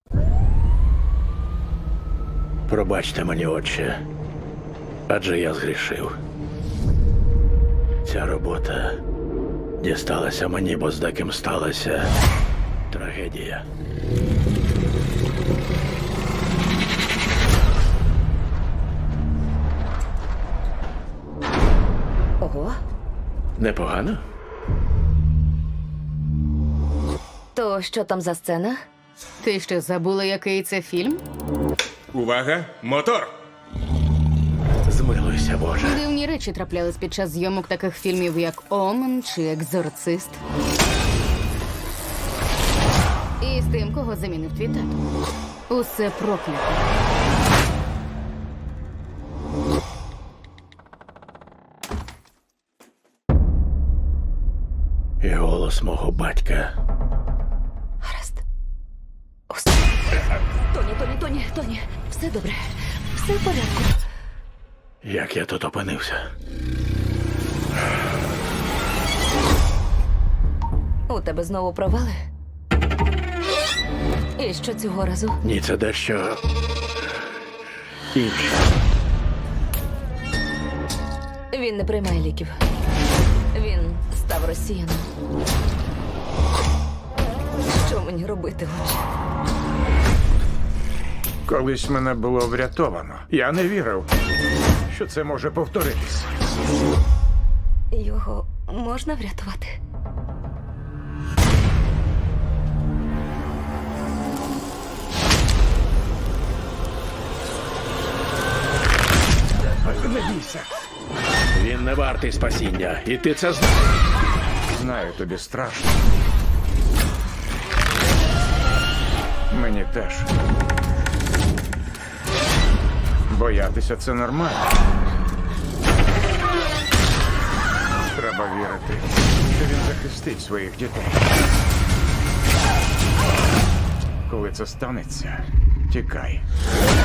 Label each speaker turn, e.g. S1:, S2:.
S1: Пробачте мені, отче, адже я згрішив. Ця робота дісталася мені, бо з деким сталася трагедія.
S2: Ого.
S1: Непогано?
S2: То що там за сцена?
S3: Ти що, забула, який це фільм?
S4: Увага! Мотор!
S1: Змилуйся, Боже.
S3: Дивні речі траплялись під час зйомок таких фільмів, як Омен чи Екзорцист. І з тим, кого замінив твій тато. Усе проклято.
S1: І голос мого батька.
S2: Гаразд. Усе. Тоні. Все добре. Все в порядку.
S1: Як я тут опинився?
S2: У тебе знову провали? І що цього разу?
S1: Ні, це дещо інше.
S2: Він не приймає ліків. Він став росіяном. Що мені робити, отче?
S5: Колись мене було врятовано. Я не вірив, що це може повторитись.
S2: Його можна врятувати?
S5: Не бійся.
S1: Він не вартий спасіння, і ти це знаєш.
S5: Знаю, тобі страшно. Мені теж. Боятися це нормально. Треба вірити, що він захистить своїх дітей. Коли це станеться, тікай.